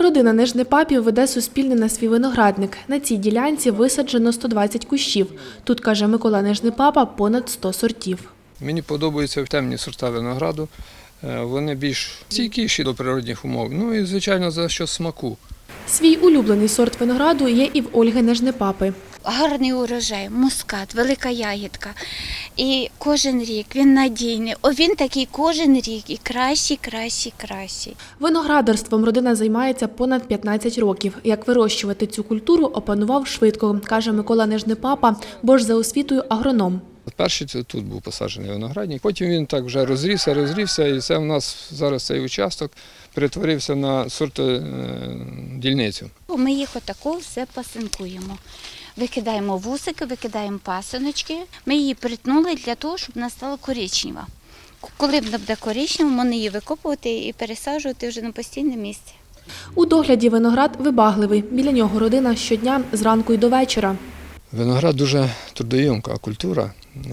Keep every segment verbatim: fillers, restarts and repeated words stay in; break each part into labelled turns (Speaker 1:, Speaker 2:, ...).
Speaker 1: Родина Нижнепапів веде суспільний на свій виноградник. На цій ділянці висаджено сто двадцять кущів. Тут, каже Микола Нижнепапа, понад сто сортів.
Speaker 2: Мені подобаються темні сорта винограду. Вони більш стійкіші до природних умов. Ну і, звичайно, за що смаку.
Speaker 1: Свій улюблений сорт винограду є і в Ольги Нижнепапи.
Speaker 3: Гарний урожай, мускат, велика ягідка. І кожен рік він надійний. О, він такий кожен рік і кращий, кращий, кращий.
Speaker 1: Виноградарством родина займається понад п'ятнадцять років. Як вирощувати цю культуру, опанував швидко, каже Микола Нижнепапа, бо ж за освітою агроном.
Speaker 2: Перший тут був посаджений виноградник, потім він так вже розрісся, розрісся, і це в нас зараз цей участок перетворився на сортодільницю.
Speaker 3: Ми їх отако все пасинкуємо. Викидаємо вусики, викидаємо пасиночки. Ми її притнули для того, щоб вона стала коричнева. Коли вона буде коричнева, можна її викопувати і пересаджувати вже на постійне місце.
Speaker 1: У догляді виноград вибагливий. Біля нього родина щодня зранку й до вечора.
Speaker 2: Виноград дуже трудоємка культура,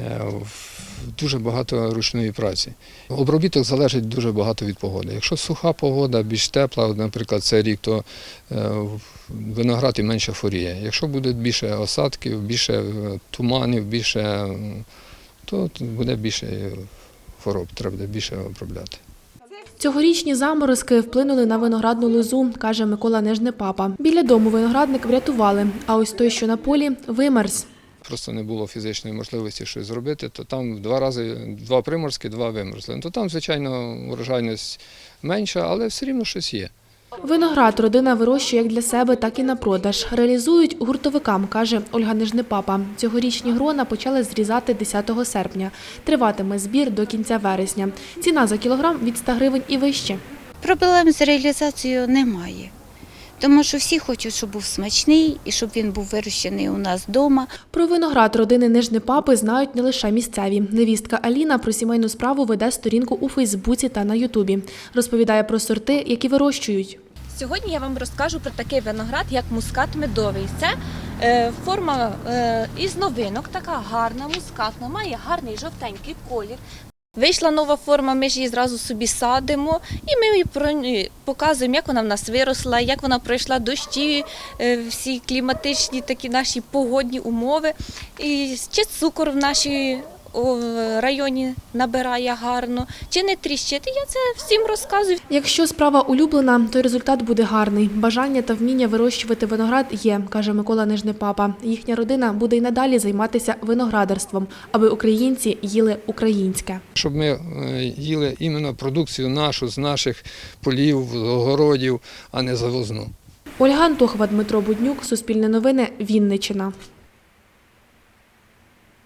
Speaker 2: дуже багато ручної праці. Обробіток залежить дуже багато від погоди. Якщо суха погода, більш тепла, наприклад, цей рік, то виноград і менше хворіє. Якщо буде більше осадків, більше туманів, більше, то буде більше хвороб, треба буде більше обробляти.
Speaker 1: Цьогорічні заморозки вплинули на виноградну лозу, каже Микола Нижнепапа. Біля дому виноградник врятували, а ось той, що на полі, вимерз.
Speaker 2: Просто не було фізичної можливості щось зробити, то там два рази, два приморозки, два вимерзли. То там, звичайно, урожайність менша, але все рівно щось є.
Speaker 1: Виноград родина вирощує як для себе, так і на продаж. Реалізують гуртовикам, каже Ольга Нижнепапа. Цьогорічні грона почали зрізати десятого серпня. Триватиме збір до кінця вересня. Ціна за кілограм від ста гривень і вище.
Speaker 3: Проблем з реалізацією немає. Тому що всі хочуть, щоб був смачний і щоб він був вирощений у нас вдома.
Speaker 1: Про виноград родини Нижнепапи знають не лише місцеві. Невістка Аліна про сімейну справу веде сторінку у Фейсбуці та на Ютубі. Розповідає про сорти, які вирощують.
Speaker 4: Сьогодні я вам розкажу про такий виноград, як мускат медовий. Це е, форма е, із новинок, така гарна, мускатна, має гарний жовтенький колір. Вийшла нова форма, ми ж її зразу собі садимо і ми її показуємо, як вона в нас виросла, як вона пройшла дощі, всі кліматичні такі наші погодні умови. І чи цукор в нашій районі набирає гарно, чи не тріщить. Я це всім розказую.
Speaker 1: Якщо справа улюблена, то й результат буде гарний. Бажання та вміння вирощувати виноград є, каже Микола Нижнепапа. Їхня родина буде й надалі займатися виноградарством, аби українці їли українське.
Speaker 2: Щоб ми їли іменно продукцію нашу з наших полів, огородів, а не завозну.
Speaker 1: Ольга Антохова, Дмитро Буднюк, Суспільне новини, Вінниччина.